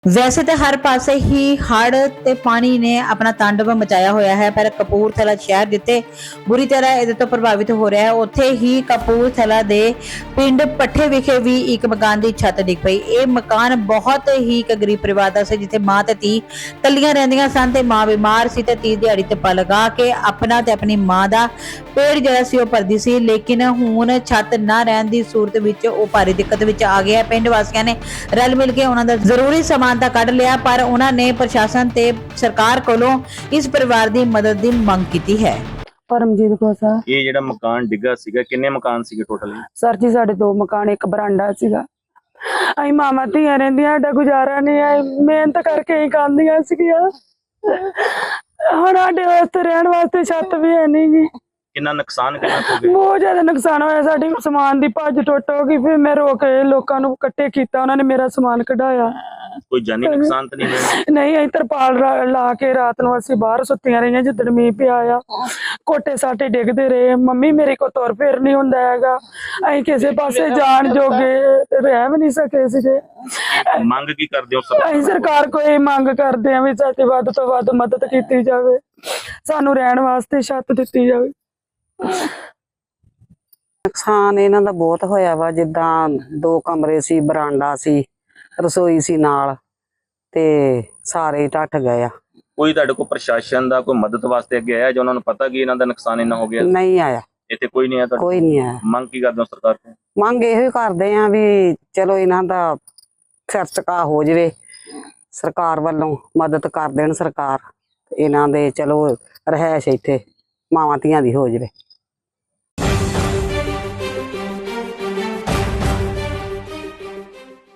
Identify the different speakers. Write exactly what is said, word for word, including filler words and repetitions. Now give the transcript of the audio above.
Speaker 1: ਵੈਸੇ ਤਾਂ ਹਰ ਪਾਸੇ ਹੀ ਹੜ੍ਹ ਤੇ ਪਾਣੀ ਨੇ ਆਪਣਾ ਤਾਂਡਵ ਮਚਾਇਆ ਹੋਇਆ ਹੈ, ਪਰ ਕਪੂਰਥਲਾ ਸ਼ਹਿਰ ਜਿੱਥੇ ਬੁਰੀ ਤਰ੍ਹਾਂ ਇਹਦੇ ਤੋਂ ਪ੍ਰਭਾਵਿਤ ਹੋ ਰਿਹਾ ਹੈ, ਉੱਥੇ ਹੀ ਕਪੂਰਥਲਾ ਦੇ ਪਿੰਡ ਪੱਠੇ ਵਿਖੇ ਵੀ ਇੱਕ ਮਕਾਨ ਦੀ ਛੱਤ ਡਿੱਗ ਪਈ। ਇਹ ਮਕਾਨ ਬਹੁਤ ਹੀ ਇੱਕ ਗਰੀਬ ਪਰਿਵਾਰ ਦਾ ਸੀ, ਜਿੱਥੇ ਮਾਂ ਤੇ ਧੀ ਕੱਲੀਆਂ ਰਹਿੰਦੀਆਂ ਸਨ ਤੇ ਮਾਂ ਬਿਮਾਰ ਸੀ ਤੇ ਧੀ ਦਿਹਾੜੀ ਧੱਪਾ ਲਗਾ ਕੇ ਆਪਣਾ ਤੇ ਆਪਣੀ ਮਾਂ ਦਾ ਪੇਟ ਜਿਹੜਾ ਸੀ ਉਹ ਭਰਦੀ ਸੀ। ਲੇਕਿਨ ਹੁਣ ਛੱਤ ਨਾ ਰਹਿਣ ਦੀ ਸੂਰਤ ਵਿੱਚ ਉਹ ਭਾਰੀ ਦਿੱਕਤ ਵਿੱਚ ਆ ਗਿਆ। ਪਿੰਡ ਵਾਸੀਆਂ ਨੇ ਰਲ ਮਿਲ ਕੇ ਉਹਨਾਂ ਦਾ ਜ਼ਰੂਰੀ ਸਮਾਨ ਤਾਂ ਕੱਢ ਲਿਆ, ਪਰ ਉਹਨਾਂ ਨੇ ਪ੍ਰਸ਼ਾਸਨ ਤੇ ਸਰਕਾਰ ਕੋਲੋਂ ਇਸ ਪਰਿਵਾਰ ਦੀ ਮਦਦ ਦੀ ਮੰਗ ਕੀਤੀ ਹੈ।
Speaker 2: परमजीत कौर सर
Speaker 3: ਇਹ ਜਿਹੜਾ ਮਕਾਨ ਡਿੱਗਾ ਸੀਗਾ ਕਿੰਨੇ ਮਕਾਨ ਸੀਗੇ ਟੋਟਲ?
Speaker 2: सर जी साढ़े दो मकान एक बरांडा सीगा। ਅਸੀਂ ਮਾਮਾ ਧੀਆਂ ਰਹਿੰਦੀਆਂ, ਸਾਡਾ ਗੁਜ਼ਾਰਾ ਨਹੀਂ ਹੈ, ਮਿਹਨਤ ਕਰਕੇ ਹੀ ਖਾਂਦੀਆਂ ਸੀਗੀਆਂ। ਹੁਣ ਸਾਡੇ ਵਾਸਤੇ ਰਹਿਣ ਵਾਸਤੇ ਛੱਤ ਵੀ ਹੈ ਨਹੀਂ ਜੀ।
Speaker 3: ਕਿੰਨਾ ਨੁਕਸਾਨ ਕਿੰਨਾ ਹੋ ਗਿਆ?
Speaker 2: ਬਹੁਤ ਜ਼ਿਆਦਾ ਨੁਕਸਾਨ ਹੋਇਆ, ਸਾਡੀ ਸਮਾਨ ਦੀ ਭੱਜ ਟੁੱਟ ਹੋ ਗਈ। ਫਿਰ ਮੈਂ ਰੋ ਕੇ ਲੋਕਾਂ ਨੂੰ ਇਕੱਠੇ ਕੀਤਾ, ਉਹਨਾਂ ਨੇ ਮੇਰਾ ਸਮਾਨ ਕਢਾਇਆ।
Speaker 3: ਕੋਈ ਜਾਨੀ ਨੁਕਸਾਨ ਤਾਂ ਨਹੀਂ ਹੋਇਆ?
Speaker 2: ਨਹੀਂ, ਅਸੀਂ ਤਰਪਾਲ ਲਾ ਕੇ ਰਾਤ ਨੂੰ ਅਸੀਂ ਬਾਹਰ ਸੁੱਤੀਆਂ ਰਹੀਆਂ। ਜਿੱਦਣ ਮੀਂਹ ਪਿਆ ਆ ਕੋਟੇ ਸਾਟੇ ਡਿੱਗਦੇ ਰਹੇ। ਮੰਮੀ ਮੇਰੇ ਕੋਲ ਤੁਰ ਫਿਰ ਨਹੀਂ ਹੁੰਦਾ ਹੈਗਾ, ਅਸੀਂ ਕਿਸੇ ਪਾਸੇ ਜਾਣ ਜੋਗੇ ਰਹਿ ਵੀ ਨਹੀਂ ਸਕੇ ਸੀਗੇ।
Speaker 3: ਮੰਗ ਕੀ ਕਰਦੇ ਹੋ?
Speaker 2: ਅਸੀਂ ਸਰਕਾਰ ਕੋਲ ਇਹ ਮੰਗ ਕਰਦੇ ਹਾਂ ਵੀ ਸਾਡੀ ਵੱਧ ਤੋਂ ਵੱਧ ਮਦਦ ਕੀਤੀ ਜਾਵੇ, ਸਾਨੂੰ ਰਹਿਣ ਵਾਸਤੇ ਛੱਤ ਦਿੱਤੀ ਜਾਵੇ।
Speaker 4: ਨੁਕਸਾਨ ਇਹਨਾਂ ਦਾ ਬਹੁਤ ਹੋਇਆ ਵਾ। ਜਿੱਦਾਂ ਦੋ ਕਮਰੇ ਸੀ, ਬਰਾਂਡਾ ਸੀ, ਰਸੋਈ ਸੀ ਨਾਲ, ਤੇ ਸਾਰੇ ਢੱਠ ਗਏ ਆ।
Speaker 3: ਕੋਈ ਤੁਹਾਡੇ ਕੋਲ ਪ੍ਰਸ਼ਾਸਨ ਦਾ ਕੋਈ ਮਦਦ ਵਾਸਤੇ ਅੱਗੇ ਆਇਆ ਜਾਂ ਉਹਨਾਂ ਨੂੰ ਪਤਾ ਕਿ ਇਹਨਾਂ ਦਾ ਨੁਕਸਾਨ ਇੰਨਾ ਹੋ ਗਿਆ?
Speaker 4: ਨਹੀਂ ਆਇਆ,
Speaker 3: ਇੱਥੇ ਕੋਈ ਨਹੀਂ ਆਇਆ ਤੁਹਾਡੇ?
Speaker 4: ਕੋਈ ਨਹੀਂ ਆਇਆ।
Speaker 3: ਮੰਗ ਕੀ ਕਰਦੇ ਹੋ ਸਰਕਾਰ ਤੋਂ?
Speaker 4: ਮੰਗ ਇਹੋ ਹੀ ਕਰਦੇ ਆ ਵੀ ਚਲੋ ਇਹਨਾਂ ਦਾ ਸਿਰ ਝੁਕਾ ਹੋ ਜਾਵੇ, ਸਰਕਾਰ ਵੱਲੋਂ ਮਦਦ ਕਰ ਦੇਣ ਸਰਕਾਰ, ਇਹਨਾਂ ਦੇ ਚਲੋ ਰਹਿائش ਇੱਥੇ ਮਾਵਾਂ ਧੀਆਂ ਦੀ ਹੋ ਜਾਵੇ।